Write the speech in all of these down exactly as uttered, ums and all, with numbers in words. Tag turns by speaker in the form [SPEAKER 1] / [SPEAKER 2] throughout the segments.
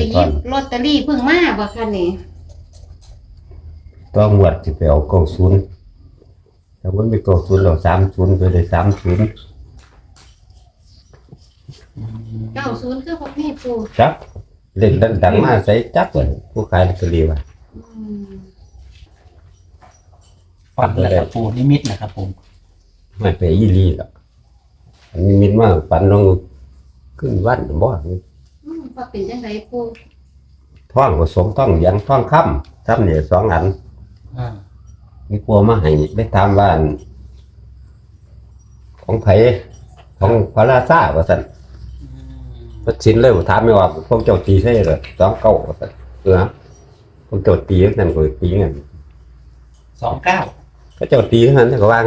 [SPEAKER 1] หยิบลอตเตอรี่เพิ่งมาบ่คะนี่
[SPEAKER 2] ต้องงวดสิไปเอาเก้าศูนย์แต่ว่าไม่เก้าศูนย์เราสามศูนย์ไปเลยสามศูนย์
[SPEAKER 1] เก้าศูนย์คือพวกนี้ปู
[SPEAKER 2] จักเล่นดังๆมาใส่จักเลยผู้ขายลอตเตอรี่ว่า
[SPEAKER 3] ฝันแล้วครับปูนิมิตนะครับผม
[SPEAKER 2] ไม่ไปยี่ลีหรอกอันนี้มินว่าฝันลงขึ้นวันบ่
[SPEAKER 1] อืมว่าเป็นจังไดปู
[SPEAKER 2] ท่องผสมท่องยังท่องค่ำซ้ำเนี่ยสองอัน
[SPEAKER 3] อ่า
[SPEAKER 2] มีกลัวมาให้ได้ตามบ้านของไผของพระราชาว่าสั่นพระชินเลยถามไม่ว่าพวกเจ้าตีใช่หรือสองเก้าว่าสั่นเออพวกเจ้าตีนั่นก็ตีเงิน
[SPEAKER 3] สองเก้า
[SPEAKER 2] ก็เจ้าตีนั่นก็ว่าง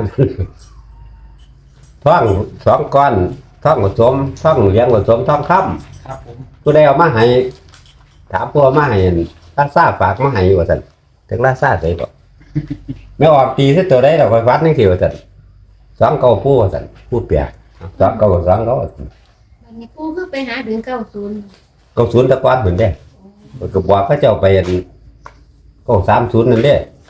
[SPEAKER 2] ท่องสองก้อนท่องผสมท่องเลี้ยงผสมท่องค่
[SPEAKER 3] ำครับผม
[SPEAKER 2] ผู้ใดเอามาให้ถามผู้มาให้ราชาฝากมาให้ว่าสั่นถึงราชาใส่บ่ไม่ออกตีที่ตัวได้เราไปวัดนี่คือว่าสั่นสองเก้าผู้ว่าสั่นผู้เปียกสองเก้าสองเก้า
[SPEAKER 1] วันนี้ปูคือไปหาถึงเก้าศูนย์
[SPEAKER 2] เก้าศูนย์ตะกอนเหมือนเด้ก็บอกเขาเจ้าไปเก้าสามศูนย์นั่นเด้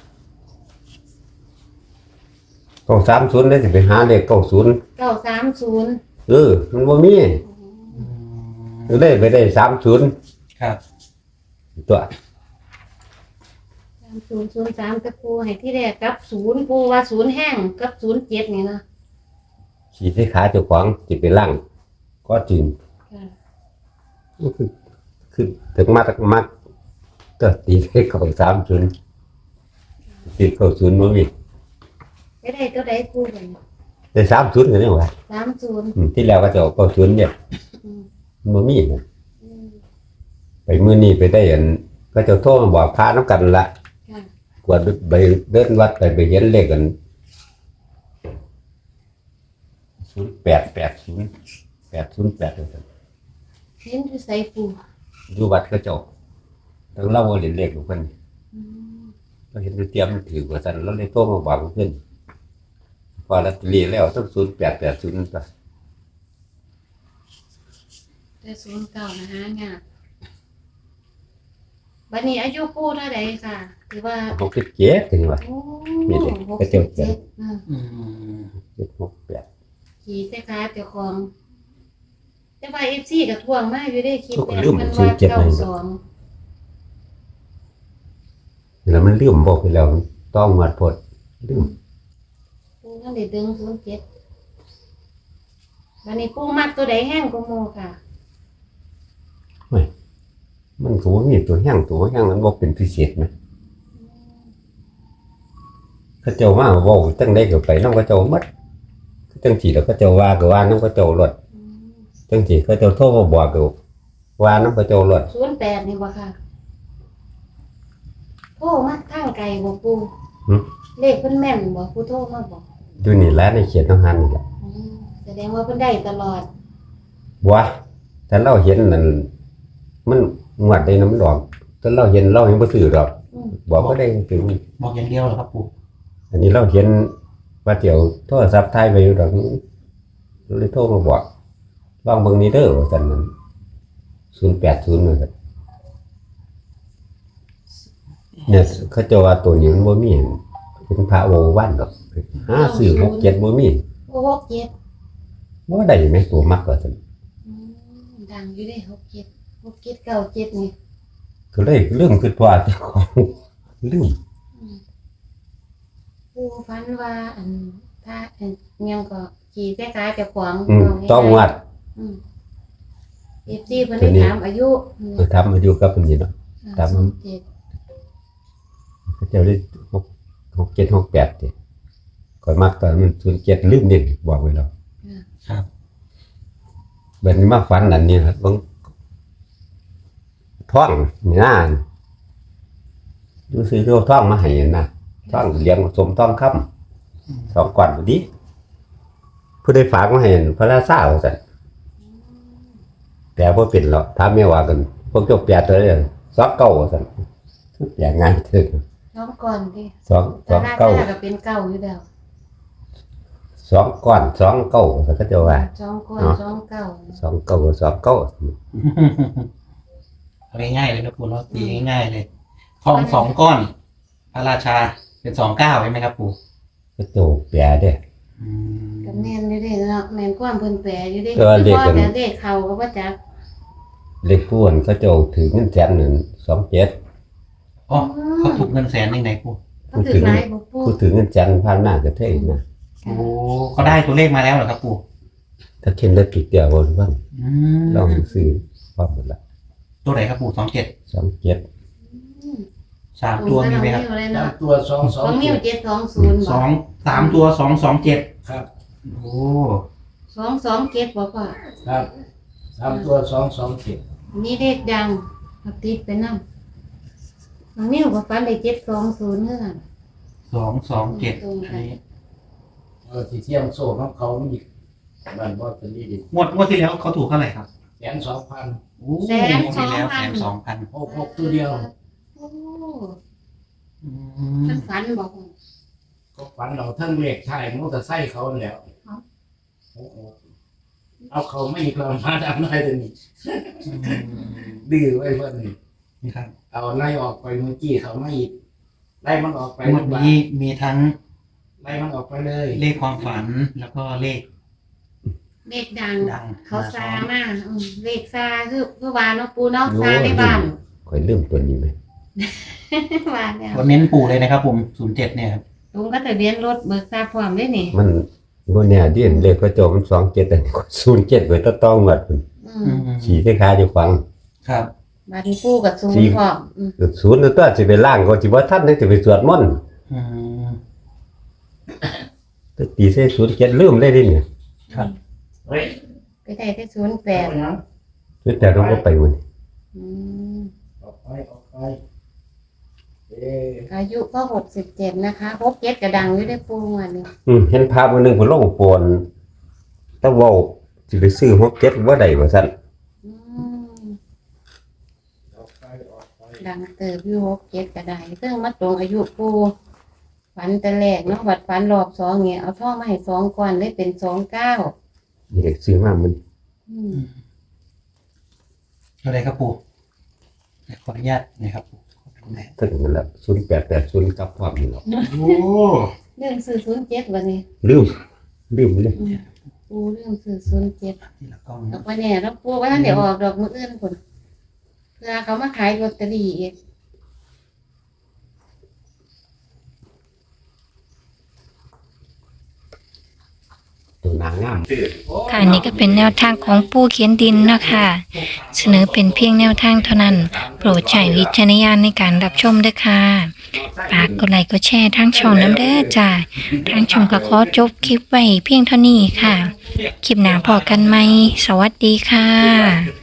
[SPEAKER 2] เก้าสามศูนย์ได้สิไปหาเลขเก้าศูนย์
[SPEAKER 1] เก้าสามศูนย์
[SPEAKER 2] เออมันบ่มีก็ได้ไปได้สามศูนย์
[SPEAKER 3] ครับ
[SPEAKER 2] ตัว
[SPEAKER 1] สามศูนย์ศูนย์สามตะปูให้ที่แรกกับศูนย์ปูว่าศูนย์แห้งกับศูนย์เจ็ดนี่นะ
[SPEAKER 2] ขี่ที่ขาเจ้าของจิตไปล่างก็จริงคือคือถึงมาตมักก็ตีได้เก้าสามศูนย์ตีเก้าศูนย์บ่มี
[SPEAKER 1] ไม่ได้ตัวใดปูเลย
[SPEAKER 2] ได้สามศูนย์กันนี่หว่า
[SPEAKER 1] สามศูนย์
[SPEAKER 2] ที่แล้วก็จะเก้าศูนย์เนี่ยบ่มีไปมื้อนี้ไปได้อันก็จะโทรมาบอกพาน้ำกันละกวดไปเดินวัดไปไปเห็นเลขกันศูนย์แปดแปดศูนย์แปดศูนย์แปดเลย
[SPEAKER 1] เห็นที่ใส่ปู
[SPEAKER 2] อยู่วัดก็เจ้าตั้งเล่าว่าเรียนเลขของเพิ่นเราเห็นเตรียมถือกว่าสั่นแล้วเลยโทรมาบอกเพิ่นพอลอตเตอรี่แล้วต้องศูนย์แปดแปดศูนย์ป่ะ
[SPEAKER 1] แต่ศูนย์เก้านะฮะเนี่ยบัดนี้อายุปูเท่าไหร่ค่ะถือว่า
[SPEAKER 2] หกสิบเจ็ดถึงว่ามีเด็กก็เจ้าเจ็ดเจ็ดหกแปด
[SPEAKER 1] ขี่ใส่ขาเจ้าของแต่ว่าเอฟซีกับทวงมากอยู่ได้คิด
[SPEAKER 2] แต่มันว่าเก้าสองแล้วมันลืมบอกไปแล้วต้องหมดพดลืม
[SPEAKER 1] ปูนั่นเด็ดดึงศูนย์เจ็ดวันนี้ปูมักตัวใดแห้งก็โมค่ะ
[SPEAKER 2] ไม่มันก็ว่ามีตัวแห้งตัวแห้งนั้นบอกเป็นพิเศษไหมเขาเจ้ามาบอกตั้งได้ก็ไปน้องเขาเจ้ามัดตั้งจีแล้วเขาเจ้าว่าก็ว่าน้องเขาเจ้าหลดตั้งจีเขาเจ้าโทษมาบอกก็ว่าน้องเขาเจ้าหลด
[SPEAKER 1] ศูนย์แปดนี่วะค่ะโทษมาทางไกลบอกปูเลขเพิ่นแม่นบอกปูโทษมาบอก
[SPEAKER 2] ดูนี่แล้วในเขียนต้องหันนี่แหละ
[SPEAKER 1] แสดงว่าเพิ่นได้ตลอด
[SPEAKER 2] วะแต่เราเห็นนั่นมันงวดได้น้ำดอกแต่เราเห็นเราเห็นบ่ซื้อดอกบอกก็ได้ถึง
[SPEAKER 3] บอกอย่างเดียวเหรอครับปู่
[SPEAKER 2] อันนี้เราเห็นว่าเดี๋ยวโทรศัพท์ถ่ายไปอยู่ดอกเลยโทรมาบอกลองเบิ่งนี้เด้อว่าซั่นนั้นศูนย์แปดศูนย์นั่นเนี่ยเขาเจ้าว่าตัวนี้มันบ่มีเป็นพระโอวันดอกหาซื้อหกเจ็ดบ่มี
[SPEAKER 1] หกเจ็ด
[SPEAKER 2] บ่ได้แม่ตัวมักว่าซั่น
[SPEAKER 1] ดังอยู่ได้หกเจ็ดหกเจ็ดเก้าเจ็ดนี่
[SPEAKER 2] ก็เลยเรื่องคือว่าเจ้าของลืม
[SPEAKER 1] ปูฝันว่าอันถ้าอันยังก็ขี่ใส่ขาเจ้าของ
[SPEAKER 2] ต้องวัด
[SPEAKER 1] เอฟซีเพิ่นได้ถามอายุ
[SPEAKER 2] เออถามอายุกับเพิ่นนี่เนาะถามเขาเจ้าได้หก หก เจ็ด หก แปดติก่อนมักตอนมันศูนย์เจ็ดลืมนี่บอกไว้แล้ว
[SPEAKER 3] ครับ
[SPEAKER 2] บัดนี้มาฝันอันนี้ครับเบิ่งท่องนี่นะดูซื้อเรื่องท่องมาให้นะท่องเลี้ยงผสมท่องค่ำสองก่อนพอดีผู้ได้ฝากมาให้พระราชาว่าซั่นแต่บ่เป็นหรอกถามแม่ว่ากันพวกเจ้าแปดตัวเด้อสองเก้าว่าซั่นอย่างง่ายถึง
[SPEAKER 1] สองก่อนดิ
[SPEAKER 2] สองสองเก้า
[SPEAKER 1] ก็เป็นเก้าอยู่แล้ว
[SPEAKER 2] สองก้อนสองเก้าก็จะว่า
[SPEAKER 1] สองก้อนสองเก้า
[SPEAKER 2] สองเก้าสองเก้า
[SPEAKER 3] เอาง่ายๆเลยนะปู่เนาะตีง่ายๆเลยทองสองก้อน พระราชาเป็นสองเก้าใช่ไหมครับปู่
[SPEAKER 2] ก็โตแปรเด้
[SPEAKER 3] อืม
[SPEAKER 1] ก็แม่นอยู่เด้เนาะแม่นความเพิ่นแปลอยู่เด้
[SPEAKER 2] แต่ว่าเลขกัน
[SPEAKER 1] แต่เลขเขาก็บ่จัก
[SPEAKER 2] เลขผู้นั้นเขาเจ้าถือเงินแสนนั่นสองเจ็ด
[SPEAKER 3] อ๋อเขาถูกเงินแสนยังไงปู่
[SPEAKER 1] เขาถือหลายบ่ปู
[SPEAKER 2] ผู้ถือเงินแสนผ่านหน้ากระเทยนะ
[SPEAKER 3] โอ้เขาได้ตัวเลขมาแล้วเหรอครับปู่
[SPEAKER 2] ถ้าเข็นได้ผิดเดียวบนบ้าง
[SPEAKER 3] อืม
[SPEAKER 2] ลองซื้อพร้อมหมดละ
[SPEAKER 3] ตัวไหนครับปู่สองเจ็ด
[SPEAKER 2] สองเจ็ด
[SPEAKER 3] สามตัวมีไหมครับ
[SPEAKER 1] ตรงกับน้องนิ้วเลย
[SPEAKER 4] สา
[SPEAKER 1] เนาะ
[SPEAKER 4] มตัวสองสอง
[SPEAKER 1] ของนิ้ว
[SPEAKER 4] เจ็ด
[SPEAKER 1] เจ็ดสองศูนย์
[SPEAKER 3] สองสามตัวสองสองเจ็ด
[SPEAKER 4] ครับ
[SPEAKER 3] โอ้
[SPEAKER 1] สองสองเจ็ดบ่พ่อ
[SPEAKER 4] ครับสามตัวสองสองเจ็ด
[SPEAKER 1] นี่เลขดังเอาติดไปนำน้องนิ้วก็ฝันได้เจ็ดสองศูนย์เท่านั้น
[SPEAKER 3] สองสองเจ็ดอันนี้
[SPEAKER 4] เออที่เที่ยงโซ่ของเขามันอีกบ้านบอสเป็นดีดี
[SPEAKER 3] งวดงวดที่แล้วเขาถูกเท่าไหร่ครับ
[SPEAKER 4] แสนสองพัน
[SPEAKER 3] โอ้งวดที่แล้วแสนสองพัน
[SPEAKER 4] หกหกตัวเดียว
[SPEAKER 1] โอ้
[SPEAKER 3] อืม
[SPEAKER 1] มันฝันบ่พ่อ
[SPEAKER 4] ก็ฝันเราทั้งเลขชายมอเตอร์ไซค์เขาแล้ว
[SPEAKER 1] ครับ
[SPEAKER 4] โอ้โหเอาเขาไม่ก็มาดำได้เลยนี่ดื้อไว้เพื่อนนี่
[SPEAKER 3] นี่ครับ
[SPEAKER 4] เอาไล่ออกไปเมื่อกี้เขาไม่อีกไล่มันออกไป
[SPEAKER 3] งวดนี้มีทั้ง
[SPEAKER 4] ไล่มันออกไปเลย
[SPEAKER 3] เลขความฝันแล้วก็เลข
[SPEAKER 1] เลขดัง
[SPEAKER 3] ดัง
[SPEAKER 1] เขาซามาอืมเลขซาคือคือว่าเนาะปูเนาะซาในบ้าน
[SPEAKER 2] คอยเริ่มตัวนี้ไหม
[SPEAKER 1] ว่าแล้ว
[SPEAKER 3] ตัวเน้นปู่เลยนะครับผมศูนย์เจ็ดเนี่ยครับ
[SPEAKER 1] ลุงก็ทะเบียนรถเบิกทราบพร้อมด้วยนี่
[SPEAKER 2] มันโมเนี่ยที่เห็นเลขพระโจมันสองเจ็ดแต่ศูนย์เจ็ดเปิดต้องหมด
[SPEAKER 1] อืม
[SPEAKER 2] ขี่ที่ขาอยู่ฟัง
[SPEAKER 3] ครับ
[SPEAKER 1] บัดนปูกับซูน
[SPEAKER 2] สี่
[SPEAKER 1] พร้อมอืม
[SPEAKER 2] ศูนย์ตัวจะไปล่างก็จะว่าท่านได้จะไปสวดมนต์
[SPEAKER 3] อืม
[SPEAKER 2] แต่ตีใส่ศูนย์เจ็ดลืมได้ดิเนี่ย
[SPEAKER 3] ครับ
[SPEAKER 4] เฮ้ย
[SPEAKER 1] ไปได้ที่ศูนย์แปด
[SPEAKER 4] เอาหยัง
[SPEAKER 2] ศูนย์แต่เราก็ไปวันนี้
[SPEAKER 1] อืม
[SPEAKER 4] ออกไปออกไปเอ๊ะ
[SPEAKER 1] อายุก็หกสิบเจ็ดนะคะหกเจ็ดกระดังอยู่ได้ปูวันนี้
[SPEAKER 2] อืมเห็นภาพวันหนึ่งผมลงปวนถ้าเว่าจะไปซื้อหกเจ็ดว่าใดว่าสั่น
[SPEAKER 1] อืม
[SPEAKER 4] ออกไปออกไป
[SPEAKER 1] ดังเติบอยู่หกเจ็ดกระไดซึ่งมาตรงอายุปูฝันแต่แรกเนาะบัดฝันรอบสองเนี่ยเอาท่องมาให้สองก่อนได้เป็นสองเก้า
[SPEAKER 2] นี่เด็กซื้อมามัน
[SPEAKER 1] อืม
[SPEAKER 3] ตัวไหนครับปู่ขออนุญาตนะครับปู่ขอดูหน่อย
[SPEAKER 2] ถึงมันละศูนย์แปดแปดศูนย์กับความนี่หรอก
[SPEAKER 3] โอ้
[SPEAKER 1] เรื่องซื้อศูนย์เจ็ดวันนี้
[SPEAKER 2] ลืมลืมเลย
[SPEAKER 1] อืมปูเรื่องซื้อศูนย์เจ็ด
[SPEAKER 3] ทีละกล้อง
[SPEAKER 1] ดอกไม้เนี่ยเราปูว่าท่านเดี๋ยวออกดอกมืออื่นคนเพื่อเขามาขายลอตเตอรี่อีก
[SPEAKER 2] ตัวนางงาม
[SPEAKER 5] ค่ะนี่ก็เป็นแนวทางของผู้เขียนดินเนาะค่ะเสนอเป็นเพียงแนวทางเท่านั้น โปรดใช้วิจารณญาณในการรับชมด้วยค่ะฝากกดไลค์กดแชร์ทางช่องน้ำเด้อจ้าทางช่องก็ขอจบคลิปไว้เพียงเท่านี้ค่ะ คลิปหน้าพอกันไหมสวัสดีค่ะ